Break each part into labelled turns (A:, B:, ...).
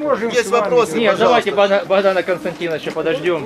A: можем
B: есть вопросы,
C: Нет,
B: пожалуйста.
C: давайте Богдана Константиновича подождем.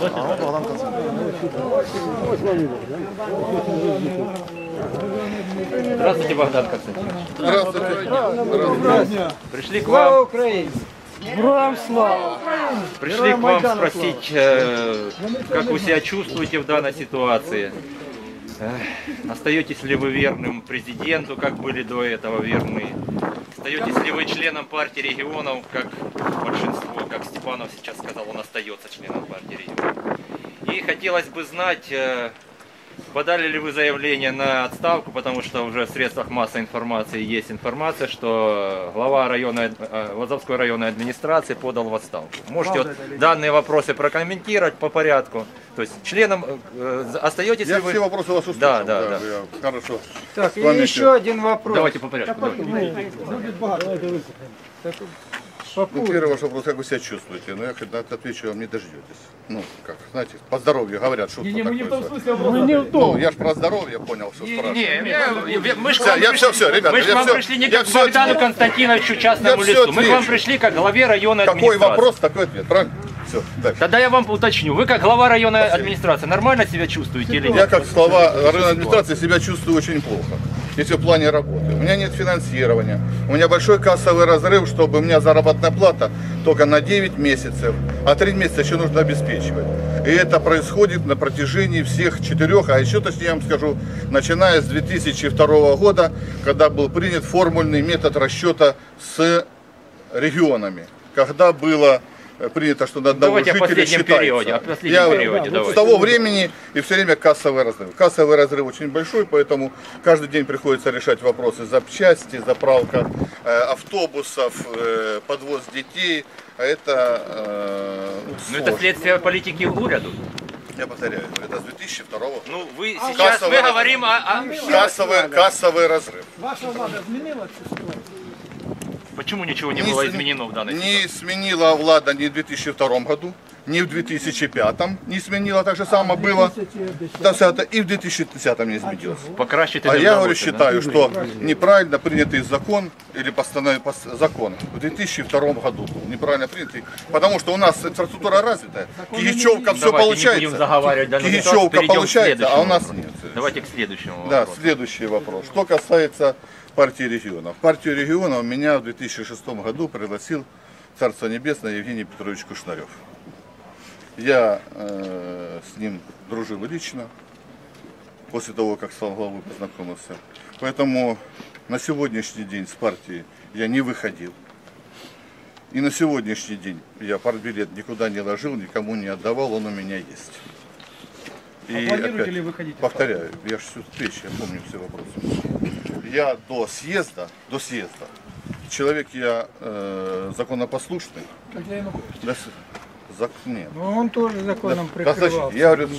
C: Здравствуйте, Богдан Константинович.
B: Здравствуйте.
C: Пришли к
A: Слава
C: вам.
A: Украине! Героям слава!
C: Пришли к вам спросить, как вы себя чувствуете в данной ситуации. Остаетесь ли вы верным президенту, как были до этого верны? Остаетесь ли вы членом партии регионов, как большинство, как Степанов сейчас сказал, он остается членом партии регионов. И хотелось бы знать, подали ли вы заявление на отставку, потому что уже в средствах массовой информации есть информация, что глава Лозовской районной администрации подал в отставку. Можете вот данные вопросы прокомментировать по порядку? То есть членом остаетесь ли вы?
B: Я все вопросы вас услышал.
C: Да.
B: Хорошо.
A: Так, и еще один вопрос.
C: Давайте по порядку.
B: Ну, первый ваш вопрос, как вы себя чувствуете? Ну, я когда отвечу, вам не дождетесь. Ну, как, знаете, по здоровью говорят, что
D: Не, мы не в том
B: такое.
D: смысле вопрос.
B: Ну, я ж про здоровье понял, все спрашиваю.
C: Мы ж
B: Все, ребята,
C: мы же к вам пришли не как к Богдану Константиновичу частному
B: Я всё
C: лицу. Мы к вам
B: отвечу.
C: пришли как главе районной
B: Какой
C: администрации.
B: вопрос, такой ответ, правильно? Все, дальше.
C: Тогда я вам уточню. Вы как глава районной администрации нормально себя чувствуете или
B: Я
C: нет?
B: как глава районной администрации себя чувствую очень плохо, если в плане работы. У меня нет финансирования, у меня большой кассовый разрыв, чтобы у меня заработная плата только на 9 месяцев, а 3 месяца еще нужно обеспечивать. И это происходит на протяжении всех 4, а еще точнее я вам скажу, начиная с 2002 года, когда был принят формульный метод расчета с регионами, когда было принято, что на одного
C: Давайте о
B: жителя
C: последнем
B: считается.
C: периоде. О последнем периоде,
B: С
C: давайте.
B: того времени и все время кассовый разрыв. Кассовый разрыв очень большой, поэтому каждый день приходится решать вопросы запчасти, заправка автобусов, подвоз детей. А это
C: Ну это следствие политики уряду.
B: я повторяю, это с 2002 года.
C: Ну вы сейчас мы говорим о...
B: Кассовый разрыв.
A: Ваша влада змінила цю ситуацію?
C: Почему ничего не было изменено в данной ситуации?
B: Не сменила влада ни в 2002 году, ни в 2005 не сменила, так же само было. И в 2010 не изменилось.
C: Покращити
B: А
C: не
B: я говорю,
C: вдалося, да?
B: считаю, что неправильно принятый закон или закон в 2002 году был неправильно принятый, потому что у нас инфраструктура развитая, Кигичевка все
C: Давайте не будем
B: получается,
C: заговаривать данную ситуацию,
B: Кигичевка
C: перейдем к
B: получается, а у
C: следующему
B: нас
C: вопросу.
B: нет.
C: Давайте к следующему
B: Да,
C: вопросу.
B: следующий вопрос. Что касается партии регионов. В партию регионов меня в 2006 году пригласил Царство Небесное Евгений Петрович Кушнарев. Я с ним дружил лично, после того, как стал главой, познакомился. Поэтому на сегодняшний день с партии я не выходил. И на сегодняшний день я партбилет никуда не ложил, никому не отдавал, он у меня есть. И
D: Планируете
B: опять
D: ли выходить?
B: повторяю, я же всю встречу, я помню все вопросы. Я до съезда, человек я законопослушный.
A: Как я Янукович.
B: Нет.
A: Ну, он тоже законом
B: Достаточно.
A: прикрывал.
B: Я говорю,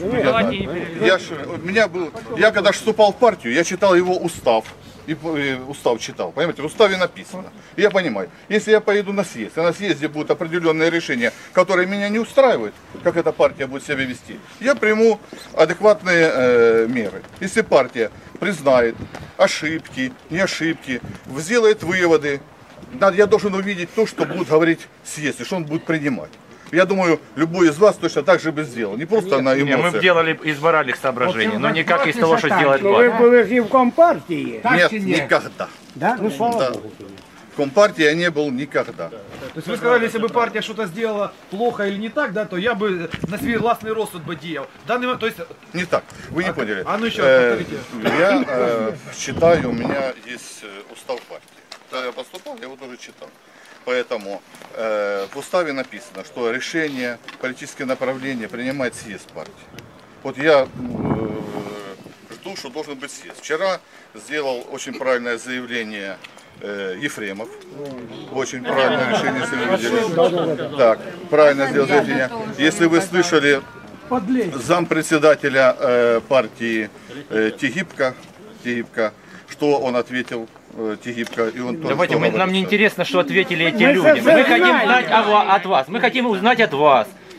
B: я когда вступал в партию, я читал его устав. И устав читал, понимаете, в уставе написано. И я понимаю, если я поеду на съезд, и на съезде будут определенные решения, которые меня не устраивают, как эта партия будет себя вести, я приму адекватные меры. Если партия признает ошибки, не ошибки, сделает выводы, я должен увидеть то, что будет говорить съезд, и что он будет принимать. Я думаю, любой из вас точно так же бы сделал. Не просто на эмоциях.
C: Мы делали из моральных соображений, но никак из того, что сделать
A: Ви
C: партия.
A: були ж і в Компартії.
B: Нет, никогда.
A: Да? Ну, слава
B: Да.
A: Богу.
B: В Компартии я не был никогда.
D: То есть вы сказали, если бы партия что-то сделала плохо или не так, да, то я бы на свой властный розсуд бы делал. В данный момент, то есть,
B: Не так, вы не поняли.
D: ну еще раз повторите.
B: Я читаю, у меня есть устав партии. Когда я поступал, я его тоже читал. Поэтому в уставе написано, что решение, политические направления принимает съезд партии. Вот я жду, что должен быть съезд. Вчера сделал очень правильное заявление Ефремов. Очень правильное решение, если вы видели. Так, правильно сделал заявление. Если вы слышали зампредседателя партии Тегибко, что он ответил Тегибко, и он тоже
C: Давайте, нам не
B: говорит,
C: интересно, что ответили эти люди. Мы хотим знать от вас. Мы хотим узнать от вас.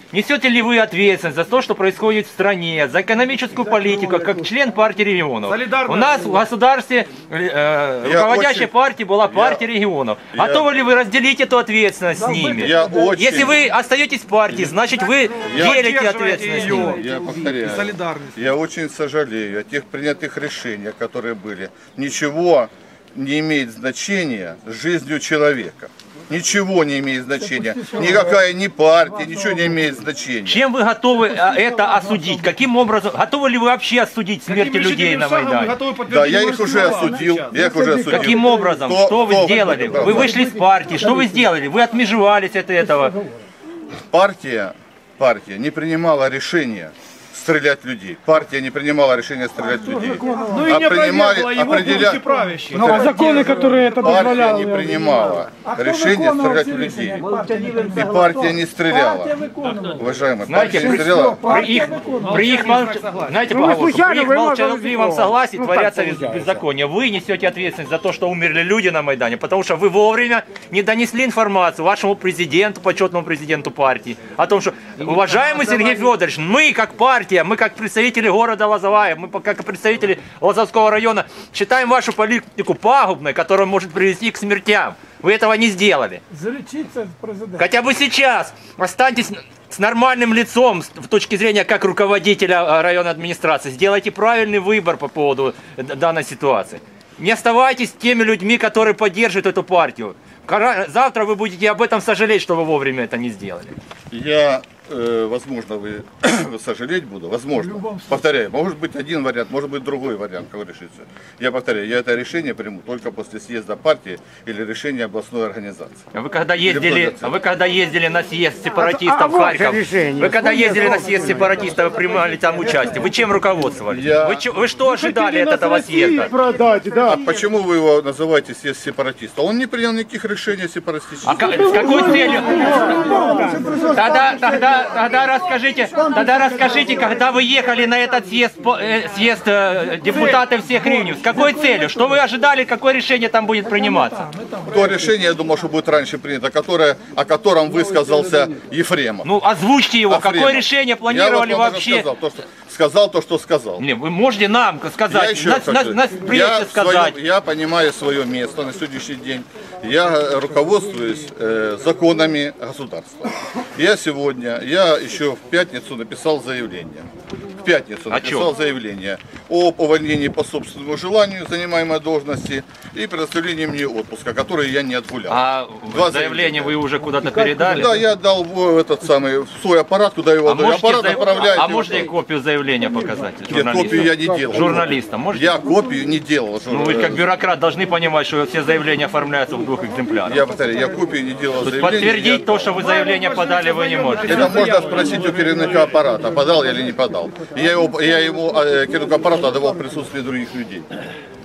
C: несете ли вы ответственность за то, что происходит в стране, за экономическую политику, как член партии регионов?
D: Солидарно.
C: У нас в государстве руководящей партией была партия регионов. Готовы ли вы разделить эту ответственность с ними? Если вы остаетесь в партии, значит вы делите ответственность с ними.
B: Я повторяю,
D: Солидарность.
B: я очень сожалею о тех принятых решениях, которые были. Ничего не имеет значения с жизнью человека. Ничего не имеет значения. Никакая ни партия, ничего не имеет значения.
C: Чем вы готовы это осудить? Каким образом? Готовы ли вы вообще осудить смерти людей на Майдане?
B: Да, я их уже осудил.
C: Каким образом? Что вы сделали? Вы вышли из партии. Что вы сделали? Вы отмежевались от этого.
B: Партия не принимала решения стрелять в людей. Партия не принимала решения стрелять в людей.
D: Ну и не опровергла его пункты правящие.
A: Но законы, которые это
B: Партия
A: позволяли.
B: не принимала решения стрелять в людей. И партия не стреляла. Уважаемые, партия не стреляла.
C: При их молчаливом согласии творятся беззакония. Вы несете ответственность за то, что умерли люди на Майдане, потому что вы вовремя не донесли информацию вашему президенту, почетному президенту партии, о том, что, уважаемый Сергей Федорович, мы как партия, мы как представители города Лозовая, мы как представители Лозовского района считаем вашу политику пагубной, которая может привести к смертям. Вы этого не сделали.
A: Залечиться президент.
C: Хотя бы сейчас останьтесь с нормальным лицом с точки зрения как руководителя районной администрации. Сделайте правильный выбор по поводу данной ситуации. Не оставайтесь теми людьми, которые поддерживают эту партию. Завтра вы будете об этом сожалеть, что вы вовремя это не сделали.
B: Возможно, вы сожалеть буду, возможно. Повторяю, может быть один вариант, может быть другой вариант, как решится. Я повторяю, я это решение приму только после съезда партии или решения областной организации.
C: Вы когда ездили на съезд сепаратистов в Харьков, вы когда ездили на съезд сепаратистов, вы принимали там участие, вы чем руководствовались? Вы что ожидали от этого съезда?
B: А почему вы его называете съезд сепаратистов? Он не принял никаких решений сепаратистов.
C: С какой целью? Тогда расскажите, когда вы ехали на этот съезд депутатов всех регионов, с какой целью? Что вы ожидали, какое решение там будет приниматься?
B: То решение, я думаю, что будет раньше принято, о котором высказался Ефремов.
C: Ну, озвучьте его. Какое решение планировали вообще?
B: Сказал то, что сказал.
C: Не, вы можете нам сказать,
B: Я понимаю свое место на сегодняшний день. Я руководствуюсь законами государства. Я еще в пятницу написал заявление. Заявление об увольнении по собственному желанию занимаемой должности и предоставлении мне отпуска, который я не отгулял.
C: А заявление вы уже куда-то передали?
B: Да, я дал в свой аппарат, куда его аппарат отправляет.
C: А можете копию заявления показать?
B: Нет, копию я не делал.
C: Журналистам можете?
B: Я копию не делал.
C: Ну вы как бюрократ должны понимать, что все заявления оформляются в 2 экземплярах.
B: Я повторяю, я копию не делал.
C: Подтвердить то, что вы заявление подали, вы не можете.
B: Это можно спросить у керівника аппарата, подал я или не подал. Я ему керівнику аппарата отдавал в присутствии других людей.